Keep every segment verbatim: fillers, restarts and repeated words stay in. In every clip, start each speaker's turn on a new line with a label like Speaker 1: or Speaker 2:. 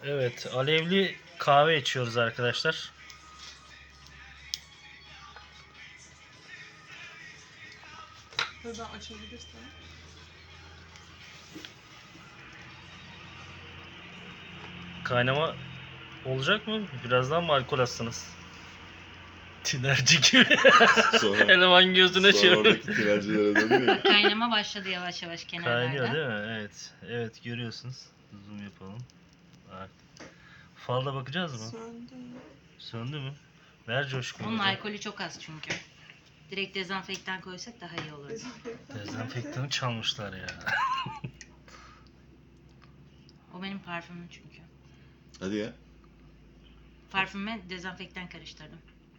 Speaker 1: Evet, alevli kahve içiyoruz arkadaşlar.
Speaker 2: Buradan açabilirsen.
Speaker 1: Kaynama olacak mı? Birazdan mı alkol atsınız? Tinerci gibi.
Speaker 3: Sonra,
Speaker 1: Eleman gözüne
Speaker 3: sonra
Speaker 1: şey.
Speaker 3: oradaki tinercilere dönüyor.
Speaker 4: Kaynama başladı yavaş yavaş kenarlarda.
Speaker 1: Kaynıyor değil mi? Evet. Evet, görüyorsunuz. Zoom yapalım. Bak. Falda bakacağız mı?
Speaker 2: Söndü.
Speaker 1: Söndü mü? Ver coşkunu.
Speaker 4: Onun
Speaker 1: hocam.
Speaker 4: alkolü çok az çünkü. Direkt dezenfektan koysak daha iyi olur.
Speaker 2: Dezenfektan.
Speaker 1: Dezenfektanı çalmışlar ya.
Speaker 4: O benim parfümüm çünkü.
Speaker 3: Hadi ya.
Speaker 4: Parfüme dezenfektan karıştırdım.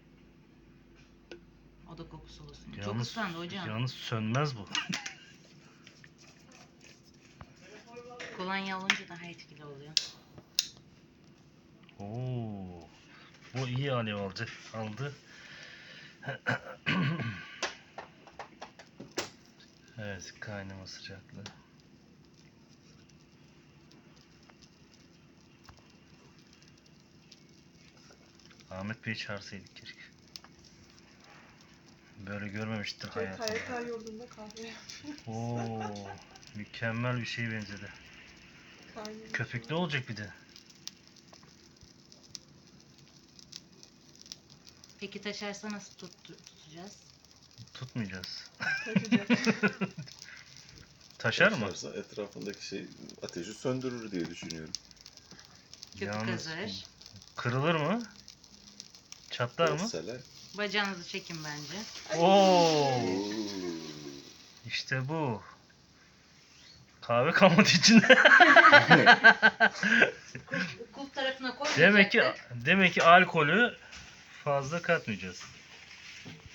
Speaker 4: O da kokusu olsun. Çok
Speaker 1: Yalnız,
Speaker 4: ıslandı hocam.
Speaker 1: yalnız sönmez bu.
Speaker 4: Kolonya olunca daha etkili oluyor.
Speaker 1: Oo. Bu iyi alev aldı. Aldı. Evet, kaynama sıcaklığı. Ahmet Bey'i çağırsaydık keşke. Böyle görmemiştir
Speaker 2: K
Speaker 1: hayatında.
Speaker 2: Y K yurdunda kahve yapıyor.
Speaker 1: Oo, mükemmel bir şeye benzedi.
Speaker 2: Kaynıyor.
Speaker 1: Köpüklü olacak bir de.
Speaker 4: Peki taşarsa nasıl tut, tutacağız?
Speaker 1: Tutmayacağız.
Speaker 2: Taşıyacak.
Speaker 1: Taşar mı?
Speaker 3: Taşarsa etrafındaki şey ateşi söndürür diye düşünüyorum.
Speaker 4: Köpük
Speaker 1: Yalnız
Speaker 4: hazır.
Speaker 1: kırılır mı? Çatlar mı?
Speaker 3: Mesela.
Speaker 4: Bacağınızı çekin bence.
Speaker 1: Oo,
Speaker 3: Oo.
Speaker 1: işte bu. Kahve kalmadı içinde.
Speaker 4: Kulp tarafına koy.
Speaker 1: Demek ki demek ki alkolü fazla katmayacağız.